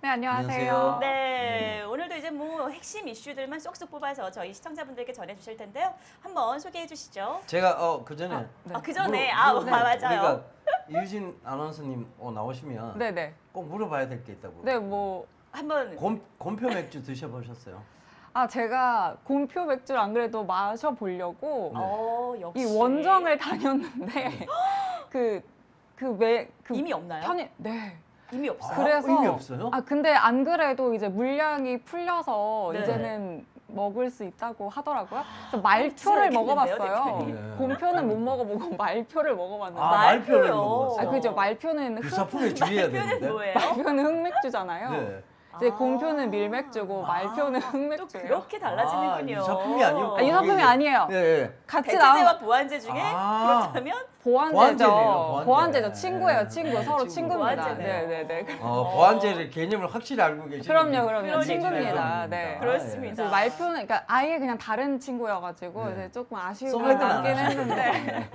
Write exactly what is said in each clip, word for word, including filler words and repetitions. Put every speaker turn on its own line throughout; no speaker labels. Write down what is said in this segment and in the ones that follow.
네, 안녕하세요.
안녕하세요.
네, 오늘도 이제 뭐 핵심 이슈들만 쏙쏙 뽑아서 저희 시청자분들께 전해주실 텐데요. 한번 소개해 주시죠.
제가 어 그 전에
네.
아, 그 전에,
물어-
아,
물어-
아, 맞아요.
우리가 이유진 아나운서님 어, 나오시면
네네.
꼭 물어봐야 될 게 있다고.
네, 뭐,
한번
곰 곰표 맥주 드셔보셨어요?
아, 제가 곰표 맥주를 안 그래도 마셔보려고
네.
어, 역시
이 원정을 다녔는데, 그, 그 왜, 그
이미 없나요?
편의, 네.
이미 없어요.
아,
그래서
의미 없어요?
아 근데 안 그래도 이제 물량이 풀려서
네.
이제는 먹을 수 있다고 하더라고요. 그래서 말표를
드셔야겠는데요,
먹어봤어요.
대표님?
곰표는 못 먹어보고 말표를 먹어봤는데.
아,
말-
말표를
말표요.
먹었어요.
아, 그죠. 말표는
그
흑,
사품에 주의해야
표는
되는데.
뭐예요?
말표는 흑맥주잖아요.
네.
이제
아.
곰표는 밀맥주고 말표는
또
흑맥주예요.
그렇게 달라지는군요.
아, 유사품이 아니었고.
아, 유사품이 아니에요.
예, 예.
같이 나온
대체제와 보완제 중에
아.
그렇다면
보완제죠.
보완제네요, 보완제.
보완제죠. 친구예요.
네,
친구.
네,
서로
친구.
친구입니다.
보완제네요.
네네네.
어, 보완제를 개념을 확실히 알고 계시는
그럼요, 그럼요.
그러니까요.
친구입니다. 네.
그렇습니다.
그래서 말표는 그러니까 아예 그냥 다른 친구여가지고
네.
이제 조금 아쉬움이
소맥은 안
남긴
하시죠?
했는데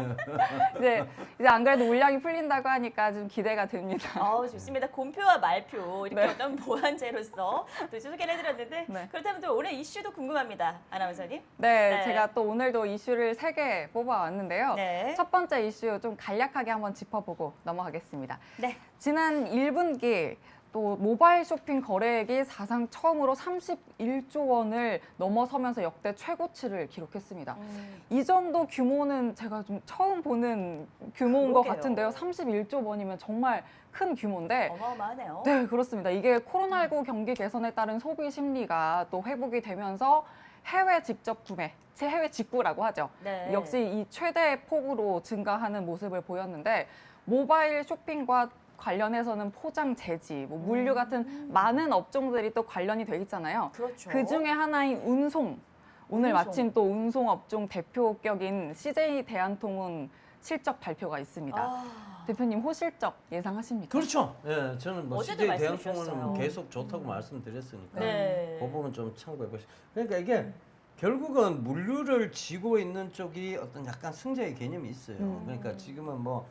이제 이제 안 그래도 물량이 풀린다고 하니까 좀 기대가 됩니다.
어, 좋습니다. 곰표와 말표 이렇게
네.
어떤 보완제로서 또 소개를 해드렸는데
네.
그렇다면 또 오늘 이슈도 궁금합니다. 아나운서님.
네,
네.
제가 또 오늘도 이슈를 세 개 뽑아왔는데요.
네.
첫 번째 이슈 좀 간략하게 한번 짚어보고 넘어가겠습니다.
네.
지난 일 분기 또 모바일 쇼핑 거래액이 사상 처음으로 삼십일조 원을 넘어서면서 역대 최고치를 기록했습니다.
음,
이 정도 규모는 제가 좀 처음 보는 규모인 것
그러게요.
같은데요. 삼십일조 원이면 정말 큰 규모인데
어마어마하네요.
네, 그렇습니다. 이게 코로나십구 경기 개선에 따른 소비 심리가 또 회복이 되면서 해외 직접 구매, 해외 직구라고 하죠.
네.
역시 이 최대 폭으로 증가하는 모습을 보였는데 모바일 쇼핑과 관련해서는 포장 재지, 뭐 물류 같은 많은 업종들이 또 관련이 돼 있잖아요.
그렇죠.
그 중에 하나인 운송. 오늘
운송.
마침 또 운송 업종 대표격인 씨제이 대한통운 실적 발표가 있습니다.
아,
대표님 호실적 예상하십니까?
그렇죠. 예, 저는 뭐
어제도
씨제이
말씀해
대한통운은
주셨어요.
계속 좋다고 말씀드렸으니까
네.
그 부분 좀 참고해 보시죠. 그러니까 이게 결국은 물류를 쥐고 있는 쪽이 어떤 약간 승자의 개념이 있어요.
음.
그러니까 지금은 뭐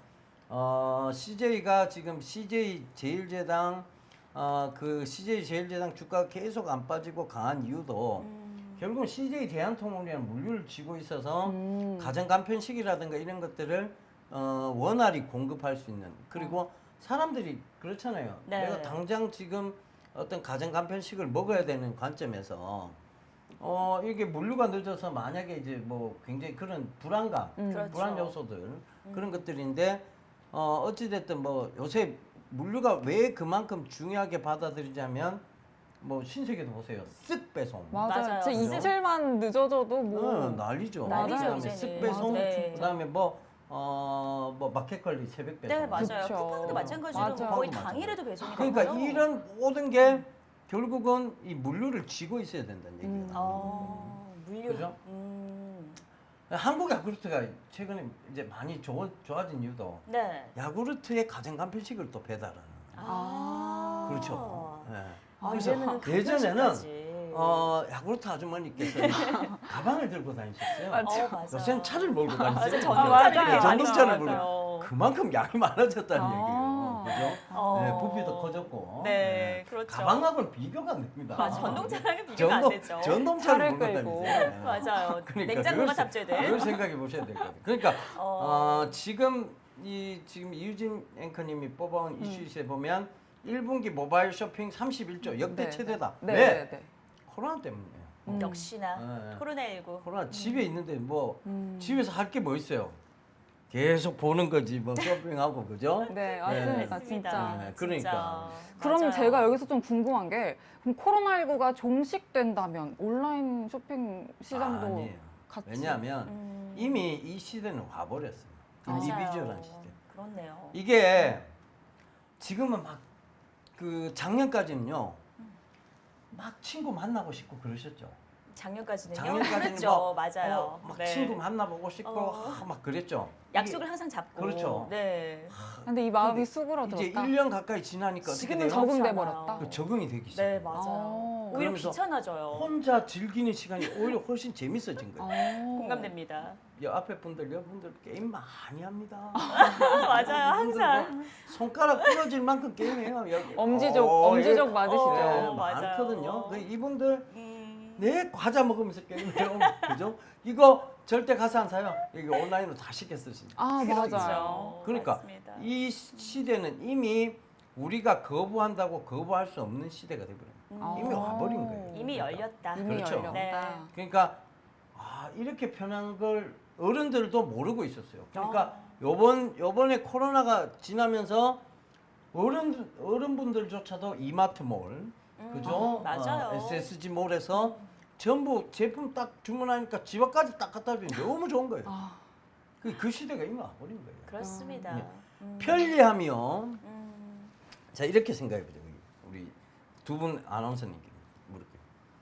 어, 씨제이가 지금 씨제이 제일제당 어, 그 씨제이 제일제당 주가가 계속 안 빠지고 강한 이유도
음,
결국은 씨제이 대한통운이라는 물류를 쥐고 있어서
음.
가정 간편식이라든가 이런 것들을 어, 원활히 공급할 수 있는 그리고 사람들이 그렇잖아요.
네.
내가 당장 지금 어떤 가정 간편식을 먹어야 되는 관점에서 어 이게 물류가 늦어서 만약에 이제 뭐 굉장히 그런 불안감,
음.
그렇죠.
불안 요소들 그런 것들인데 어 어찌 됐든 뭐 요새 물류가 왜 그만큼 중요하게 받아들이자면 뭐 신세계도 보세요. 쓱 배송.
맞아요.
맞아요.
진짜
그죠?
이틀만 늦어져도 뭐
어, 난리죠.
난리죠,
그다음에
이제는.
쓱 배송,
네.
그다음에 뭐 어, 뭐 마켓 관리 새벽 배송.
네, 맞아요.
그쵸.
쿠팡도 마찬가지로
맞아.
거의
쿠팡도
당일에도 배송이
그러니까
되고요.
이런 모든 게 결국은 이 물류를 쥐고 있어야 된다는 얘기예요.
음.
어, 물류.
그죠?
음,
한국 야구르트가 최근에 이제 많이 좋아, 좋아진 이유도
네.
야구르트의 가정 간편식을 또 배달하는.
아,
그렇죠. 예.
아,
그래서
이제는
예전에는
간편식까지.
어, 야구르트 아주머니께서 가방을 들고 다니셨어요.
맞아.
어, 맞아.
요새는 차를 몰고
맞아,
다니세요.
전동차를
맞아요.
이렇게 많이
전동차를 몰고.
나와요.
그만큼 양이 많아졌다는
아.
얘기예요. 그죠?
어.
네, 부피도 커졌고.
네, 그렇죠.
가방하고는 비교가 안 됩니다.
맞아, 전동차랑은 비교가 안
전동,
되죠.
전동차를
차를
몰고
끌고.
다니세요. 네.
맞아요.
그러니까
냉장고가
그걸-
탑재된.
그걸 생각해 보셔야 될 것 같아요. 그러니까
어.
어, 지금 이 지금 이유진 앵커님이 뽑아온
음.
이슈에 보면 일 분기 모바일 쇼핑 삼십일조 역대
네,
최대다.
네,
왜?
네, 네.
코로나 때문이에요.
음.
역시나
네.
코로나십구.
코로나 집에 있는데 뭐
음.
집에서 할 게 뭐 있어요? 계속 보는 거지 뭐 쇼핑하고 그죠?
네,
네.
맞습니다.
맞습니다.
진짜.
네, 그러니까.
그럼
맞아요.
제가 여기서 좀 궁금한 게 그럼 코로나십구가 종식된다면 온라인 쇼핑 시장도
아니에요.
같이
왜냐하면
음,
이미 이 시대는 와버렸어요.
맞아요.
인디비주얼한 시대.
그렇네요.
이게 지금은 막 그 작년까지는요 막 친구 만나고 싶고 그러셨죠.
작년까지는요.
작년까지는
그랬죠.
막,
맞아요.
어, 막
네.
친구 만나보고 싶고
어.
아, 막 그랬죠.
약속을 항상 잡고.
그렇죠.
네.
근데 이 마음이
근데
수그러들었다.
이제 일 년 가까이 지나니까 어떻게
지금은
돼요?
적응돼
그렇지 않아요.
버렸다.
그 적응이 되기
네,
시작해요.
맞아요.
어.
오히려
그러면서
귀찮아져요.
혼자 즐기는 시간이 오히려 훨씬 재밌어진 거예요.
어.
공감됩니다.
이 앞에 분들, 여러분들 게임 많이 합니다.
맞아요.
이분들
항상.
뭐 손가락 부러질 만큼 게임해요. 여기.
엄지족,
어,
엄지족
예.
맞으시죠?
네,
어, 맞아요.
많거든요. 그 이분들
음.
내 과자 먹으면서 게임해요. 그죠? 이거 절대 가서 안 사요. 여기 온라인으로 다 시켰어요. 진짜.
아, 맞아요.
그렇죠.
그러니까
맞습니다.
이 시대는 이미 우리가 거부한다고 거부할 수 없는 시대가 되버려요.
음.
이미 와버린 거예요.
이미
그러니까.
열렸다.
이미
그렇죠.
열렸다.
네.
그러니까 아, 이렇게 편한 걸 어른들도 모르고 있었어요. 그러니까
아.
요번 요번에 코로나가 지나면서 어른 어른분들조차도 이마트몰, 그죠?
음, 맞아요.
어, 에스에스지몰에서 전부 제품 딱 주문하니까 집 앞까지 딱 갖다 주니 너무 좋은 거예요.
아,
그, 그 시대가 이미 와버린 거예요.
그렇습니다.
네.
음.
편리하면
음.
자 이렇게 생각해 보죠. 우리 두 분 아나운서님께 물을게요.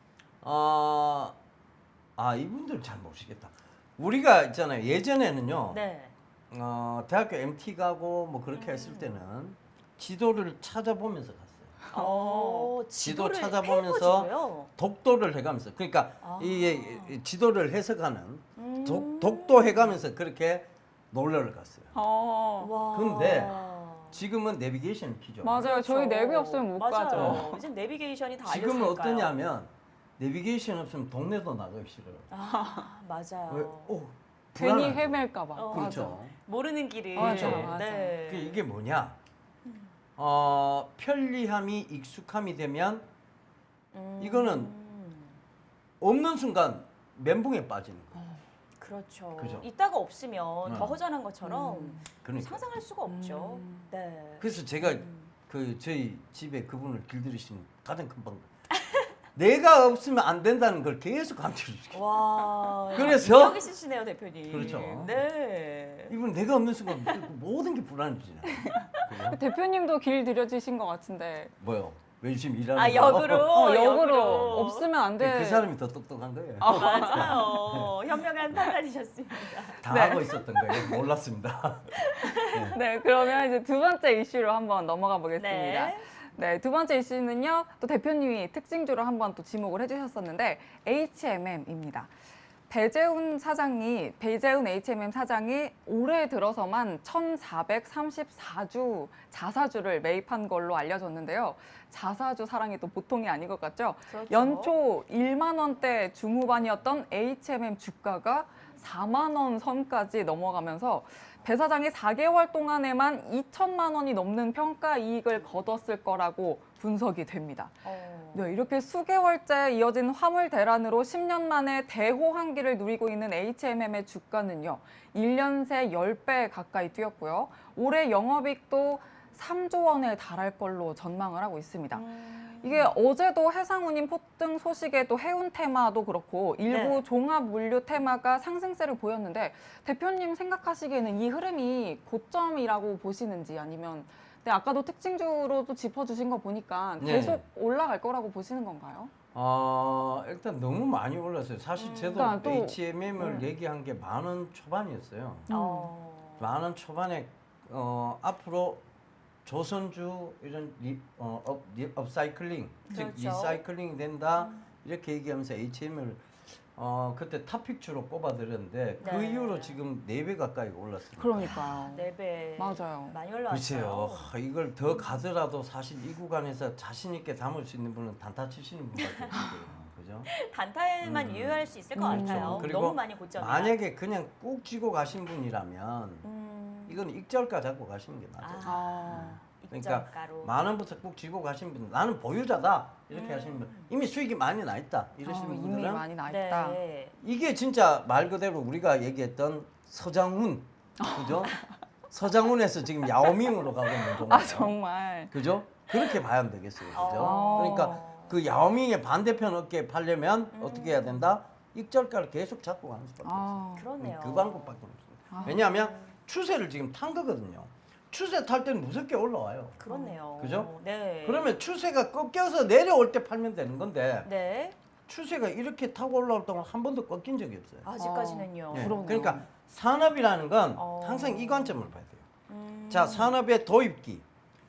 아, 아 이분들 잘 모르시겠다. 우리가 있잖아요. 예전에는요.
네.
어, 대학교 엠티 가고 뭐 그렇게
음.
했을 때는 지도를 찾아보면서 갔어요.
어,
지도
지도를
찾아보면서
해보지고요.
독도를 해가면서 그러니까
아.
이, 이 지도를 해석하는
음.
독, 독도 해가면서 그렇게 놀러를 갔어요.
어.
와.
근데 지금은 내비게이션 키죠.
맞아요. 저희
그렇죠.
내비 없으면 못
맞아요.
가죠.
이제 내비게이션이 다
지금은
알려주니까요.
어떠냐면 내비게이션 없으면 동네도 나가기 싫어요.
아, 맞아요.
왜? 오,
괜히
불안하죠.
헤맬까봐.
어.
그렇죠.
모르는 길을.
맞아,
네.
맞아.
네.
그 이게 뭐냐? 어, 편리함이 익숙함이 되면
음.
이거는 없는 순간 멘붕에 빠지는 거예요.
그렇죠.
그죠?
이따가 없으면
네.
더 허전한 것처럼
음.
그러니까.
상상할 수가 없죠.
음.
네.
그래서 제가
음.
그 저희 집에 그분을 길들이시는 가장 큰 방법. 내가 없으면 안 된다는 걸 계속 강조를 시켜요.
와.
그래서-
능력 있으시네요, 대표님.
그렇죠.
네.
이분 내가 없는 순간 그 모든 게 불안해지잖아요. 그죠?
대표님도 길 들여주신 것 같은데.
뭐요? 왜 지금 일하는
아,
거?
역으로.
어, 역으로 없으면 안 돼.
그 사람이 더 똑똑한 거예요.
맞아요. 현명한 판단이셨습니다.
다
네.
하고 있었던 거예요. 몰랐습니다.
네, 그러면 이제 두 번째 이슈로 한번 넘어가 보겠습니다.
네.
네, 두 번째 이슈는요. 또 대표님이 특징주로 한번 또 지목을 해주셨었는데 에이치엠엠입니다. 배재훈 사장이 배재훈 에이치엠엠 사장이 올해 들어서만 천사백삼십사 주 자사주를 매입한 걸로 알려졌는데요. 자사주 사랑이 또 보통이 아닌 것 같죠?
그렇죠.
연초 일만 원대 중후반이었던 에이치엠엠 주가가 사만 원 선까지 넘어가면서 배 사장이 사 개월 동안에만 이천만 원이 넘는 평가 이익을 거뒀을 거라고 분석이 됩니다.
어.
네, 이렇게 수개월째 이어진 화물 대란으로 십 년 만에 대호황기를 누리고 있는 에이치엠엠의 주가는요. 일 년 새 십 배 가까이 뛰었고요. 올해 영업이익도 삼조 원에 달할 걸로 전망을 하고 있습니다.
음.
이게 어제도 해상운임 폭등 소식에 또 해운 테마도 그렇고 일부
네.
종합 물류 테마가 상승세를 보였는데 대표님 생각하시기에는 이 흐름이 고점이라고 보시는지 아니면 네, 아까도 특징주로도 짚어주신 거 보니까
네.
계속 올라갈 거라고 보시는 건가요?
어, 일단 너무 많이 올랐어요. 사실
음.
저도
그러니까 또-
에이치엠엠을
음.
얘기한 게 만 원 초반이었어요.
어.
만 원 초반에 어, 앞으로 조선주 이런 리, 어, 업, 리, 업사이클링, 즉
그렇죠.
리사이클링이 된다 이렇게 얘기하면서 에이치엠을 어, 그때 탑픽주로 꼽아드렸는데 그
네.
이후로 지금 네 배 가까이 올랐습니다.
그러니까요.
네 배.
맞아요.
많이 올라왔어요.
글쎄요. 하, 이걸 더 가더라도 사실 이 구간에서 자신 있게 담을 수 있는 분은 단타 치시는 분밖에 없을 거예요. 그죠?
단타에만
음.
유효할 수 있을 것
음,
같아요.
그리고
너무 많이 고점이라.
만약에 그냥 꾹 쥐고 가신 분이라면
음.
이건 익절가 잡고 가시는 게 맞아요.
아,
그러니까
입점가로.
만 원부터 꾹 쥐고 가신 분, 나는 보유자다 이렇게
음.
하시는 분, 이미 수익이 많이 나 있다 이러시는
어, 이미
분들은
많이 나 있다.
네.
이게 진짜 말 그대로 우리가 얘기했던 서장훈, 그죠? 서장훈에서 지금 야오밍으로 가고 있는 종목.
아 정말.
그죠? 그렇게 봐야 되겠어요, 그죠?
어.
그러니까 그 야오밍의 반대편 어깨에 팔려면
음.
어떻게 해야 된다? 익절가를 계속 잡고 가는 수밖에 없어요.
아,
그러네요.
그 방법밖에 없습니다.
아.
왜냐하면 추세를 지금 탄 거거든요. 추세 탈 때는 무섭게 올라와요.
그렇네요.
그죠?
네.
그러면 추세가 꺾여서 내려올 때 팔면 되는 건데
네.
추세가 이렇게 타고 올라올 동안 한 번도 꺾인 적이 없어요.
아직까지는요.
네.
그러네요.
그러니까 산업이라는 건
어.
항상 이 관점을 봐야 돼요.
음.
자, 산업의 도입기,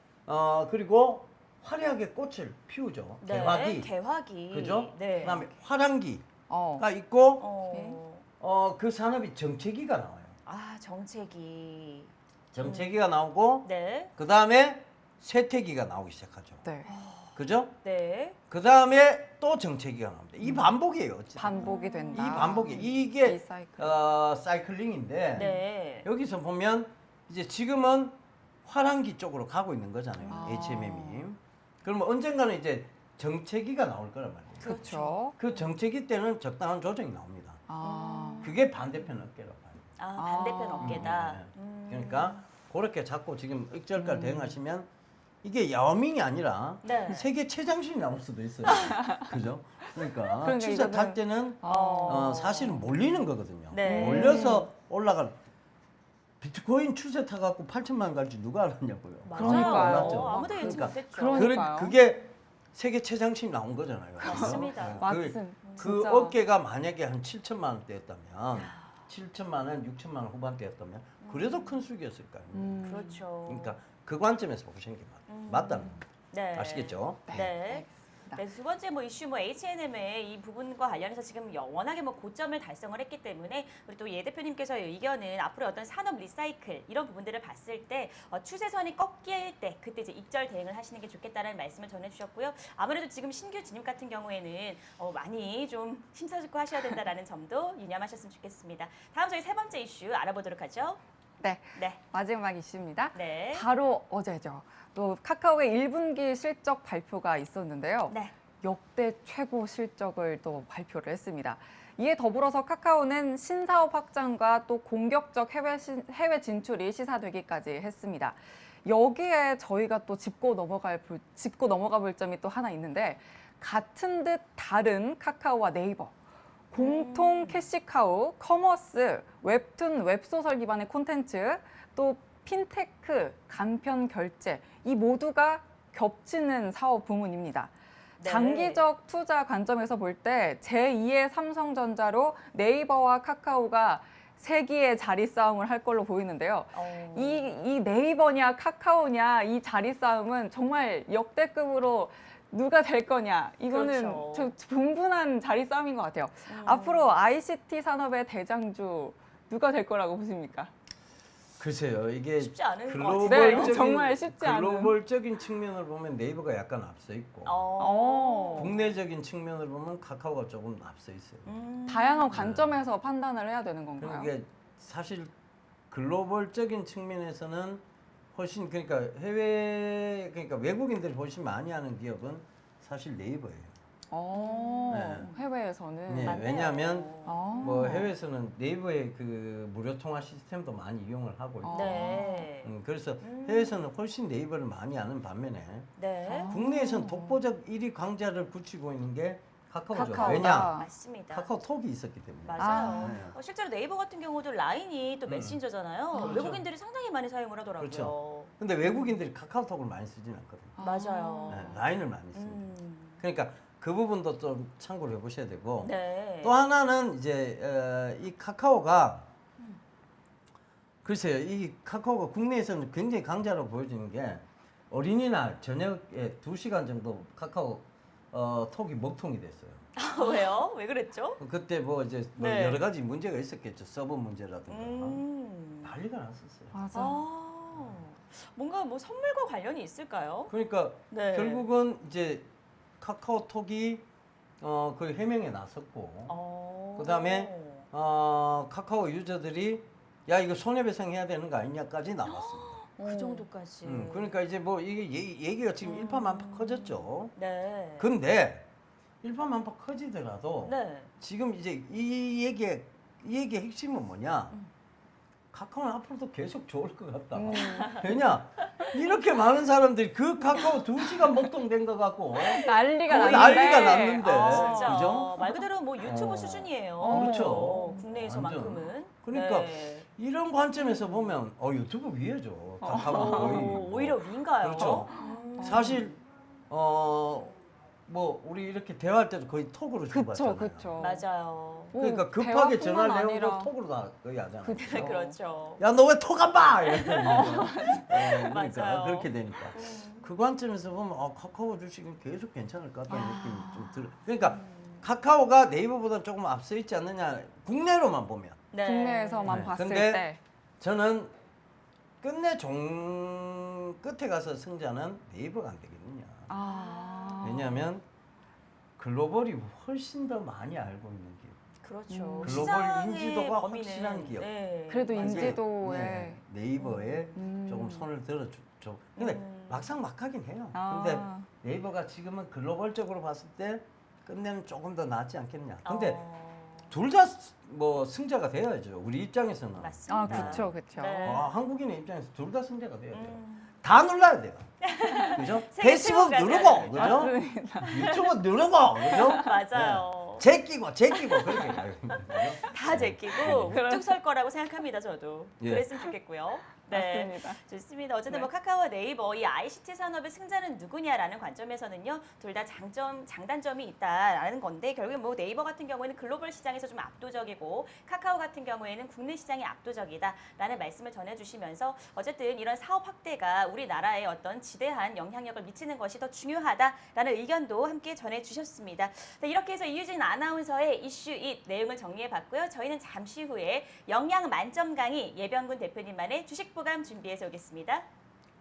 어 그리고 화려하게 꽃을 피우죠.
네,
개화기,
개화기.
그죠?
네.
그다음에 화랑기가
어.
있고,
어.
어 그 산업이 정체기가 나와요.
아, 정체기.
정체기가 나오고,
네.
그 다음에 쇠퇴기가 나오기 시작하죠.
네.
그죠?
네.
그 다음에 또 정체기가 나옵니다. 이 반복이에요. 어쨌든.
반복이 된다.
이 반복이 이게
리사이클.
어, 사이클링인데
네.
여기서 보면 이제 지금은 화랑기 쪽으로 가고 있는 거잖아요.
아.
에이치엠엠이. 그러면 언젠가는 이제 정체기가 나올 거란 말이에요.
그렇죠.
그 정체기 때는 적당한 조정이 나옵니다.
아.
그게 반대편 어깨라고 봐요.
아, 반대편
아.
어깨다.
네.
음.
그러니까 그렇게 자꾸 지금 익절까지
음.
대응하시면 이게 야오밍이 아니라
네.
세계 최장신이 나올 수도 있어요. 그죠? 그러니까
그러니까
추세
이거는-
탈 때는
어.
어, 사실은 몰리는 거거든요.
네.
몰려서 올라갈 비트코인 추세 타갖고 팔천만 갈지 누가 알았냐고요.
맞아요.
그러니까요.
아무도
그러니까.
예측
그러니까
못했죠.
그러니- 그러니까요.
그, 그게 세계 최장신이 나온 거잖아요.
맞습니다.
네. 그,
맞음.
그
진짜.
어깨가 만약에 한 칠천만 원대였다면 칠천만 원, 육천만 원 후반대였다면 그래도 큰 수익이었을 거 아니에요.
음.
그렇죠.
그러니까 그 관점에서 보시는 게 맞,
음.
맞다는 겁니다.
네.
아시겠죠?
네.
알겠습니다.
네, 두 번째 뭐 이슈 뭐 에이치앤엠의 이 부분과 관련해서 지금 워낙에 뭐 고점을 달성을 했기 때문에 우리 또 예 대표님께서의 의견은 앞으로 어떤 산업 리사이클 이런 부분들을 봤을 때 어, 추세선이 꺾일 때 그때 이제 익절 대응을 하시는 게 좋겠다는 말씀을 전해주셨고요. 아무래도 지금 신규 진입 같은 경우에는 어, 많이 좀 심사숙고 하셔야 된다라는 점도 유념하셨으면 좋겠습니다. 다음 저희 세 번째 이슈 알아보도록 하죠.
네.
네,
마지막 이슈입니다.
네,
바로 어제죠. 또 카카오의 일 분기 실적 발표가 있었는데요.
네.
역대 최고 실적을 또 발표를 했습니다. 이에 더불어서 카카오는 신사업 확장과 또 공격적 해외, 신- 해외 진출이 시사되기까지 했습니다. 여기에 저희가 또 짚고 넘어갈 볼- 짚고 넘어가 볼 점이 또 하나 있는데 같은 듯 다른 카카오와 네이버 공통
음.
캐시카우, 커머스, 웹툰, 웹소설 기반의 콘텐츠, 또 핀테크, 간편 결제 이 모두가 겹치는 사업 부문입니다.
네.
장기적 투자 관점에서 볼 때 제이의 삼성전자로 네이버와 카카오가 세기의 자리 싸움을 할 걸로 보이는데요.
어.
이, 이 네이버냐 카카오냐 이 자리 싸움은 정말 역대급으로 누가 될 거냐 이거는
그렇죠.
저 분분한 자리 싸움인 것 같아요.
음.
앞으로 아이씨티 산업의 대장주 누가 될 거라고 보십니까?
글쎄요, 이게
쉽지 않은 것
글로벌적인
같은데요. 정말 쉽지 않은.
글로벌적인 측면을 보면 네이버가 약간 앞서 있고
어.
국내적인 측면을 보면 카카오가 조금 앞서 있어요.
음.
다양한 관점에서 판단을 해야 되는 건가요?
그러니까 사실 글로벌적인 측면에서는 훨씬 그러니까 해외 그러니까 외국인들이 훨씬 많이 하는 기업은 사실 네이버예요.
어,
네.
해외에서는
네,
맞네요.
왜냐하면
어.
뭐 해외에서는 네이버의 그 무료 통화 시스템도 많이 이용을 하고 있고,
네.
음, 그래서
음.
해외에서는 훨씬 네이버를 많이 아는 반면에
네.
아.
국내에서는 독보적 일 위 강자를 굳히고 있는 게 카카오죠.
카카오다.
왜냐?
맞습니다.
카카오톡이 있었기 때문에.
맞아요.
아.
네.
어, 실제로 네이버 같은 경우도 라인이 또
음.
메신저잖아요.
그렇죠.
외국인들이 상당히 많이 사용을 하더라고요.
그렇죠. 근데 외국인들이 카카오톡을 많이 쓰진 않거든요.
맞아요.
네, 라인을 많이 씁니다.
음.
그러니까 그 부분도 좀 참고를 해보셔야 되고
네.
또 하나는 이제 어, 이 카카오가 글쎄요, 이 카카오가 국내에서는 굉장히 강자로 보여지는 게 어린이날 저녁에 두 시간 정도 카카오 어, 톡이 먹통이 됐어요.
아, 왜요? 왜 그랬죠?
그때 뭐 이제 뭐
네.
여러 가지 문제가 있었겠죠. 서버 문제라든가
음.
난리가 났었어요.
맞아.
아. 뭔가 뭐 선물과 관련이 있을까요?
그러니까
네.
결국은 이제 카카오톡이 어, 그 해명에 나섰고
어.
그다음에 어, 카카오 유저들이 야 이거 손해배상 해야 되는 거 아니냐까지 나왔습니다.
그 정도까지.
음, 그러니까 이제 뭐 이게 얘기, 얘기가 지금
음.
일파만파 커졌죠.
네.
근데 일파만파 커지더라도
네.
지금 이제 이 얘기의 이 얘기의 핵심은 뭐냐?
음.
카카오는 앞으로도 계속 좋을 것 같다.
음.
왜냐? 이렇게 많은 사람들이 그 카카오 두 시간 먹통된 것 같고
난리가
거의
났는데.
난리가 났는데.
아, 진짜
그죠?
말 그대로 뭐 유튜브
어.
수준이에요.
그렇죠.
어, 국내에서만큼은.
그러니까
네.
이런 관점에서 보면 어 유튜브 위에죠. 카카오 거의.
어,
뭐.
오히려 위인가요?
그렇죠.
음.
사실 어 뭐 우리 이렇게 대화할 때도 거의 톡으로
그쵸,
주고받잖아요.
그쵸.
맞아요.
뭐
그러니까 급하게
대화뿐만
전화 내고
아니라
톡으로 다 거의 하잖아요.
그쵸.
그렇죠.
야 너 왜 톡 안 봐? 이러니까 어, 그러니까
맞아요.
그렇게 되니까
음.
그 관점에서 보면 어, 카카오 주식은 계속 괜찮을 것 같다는
아.
느낌이 좀 들어. 그러니까 카카오가 네이버보다 조금 앞서 있지 않느냐 국내로만 보면.
네.
국내에서만
네.
봤을
근데
때
저는 끝내 종 끝에 가서 승자는 네이버가 안 되겠느냐.
아.
왜냐하면 글로벌이 훨씬 더 많이 알고 있는 기업.
그렇죠.
음.
글로벌
시장의
인지도가
범위는,
확실한 기업.
네.
그래도
이제,
인지도에
네, 네이버에
음.
조금 손을 들어줘. 근데
음.
막상 막하긴 해요.
아.
근데 네이버가 지금은 글로벌적으로 봤을 때 끝내는 조금 더 낫지 않겠냐. 근데
어,
둘 다 뭐 승자가 돼야죠. 우리 입장에서는.
맞습니다.
아, 그쵸, 그쵸.
네.
아, 한국인의 입장에서 둘 다 승자가 돼야 돼요.
음.
다 눌러야 돼요. 그죠?
세계
페이스북
최고가
누르고,
돼야
그죠?
맞습니다.
유튜브 누르고, 그죠?
맞아요.
제끼고, 제끼고 그렇게 가요.
다 제끼고
네.
우뚝 설 거라고 생각합니다. 저도
예.
그랬으면 좋겠고요. 네.
맞습니다.
좋습니다. 어쨌든
네.
뭐 카카오 네이버 이 아이씨티 산업의 승자는 누구냐라는 관점에서는요. 둘 다 장점, 장단점이 있다라는 건데 결국에 뭐 네이버 같은 경우에는 글로벌 시장에서 좀 압도적이고 카카오 같은 경우에는 국내 시장이 압도적이다라는 말씀을 전해주시면서 어쨌든 이런 사업 확대가 우리나라에 어떤 지대한 영향력을 미치는 것이 더 중요하다라는 의견도 함께 전해주셨습니다. 네, 이렇게 해서 이유진 아나운서의 이슈 잇 내용을 정리해봤고요. 저희는 잠시 후에 영양 만점 강의 예병군 대표님만의 주식 보감 준비해서 오겠습니다.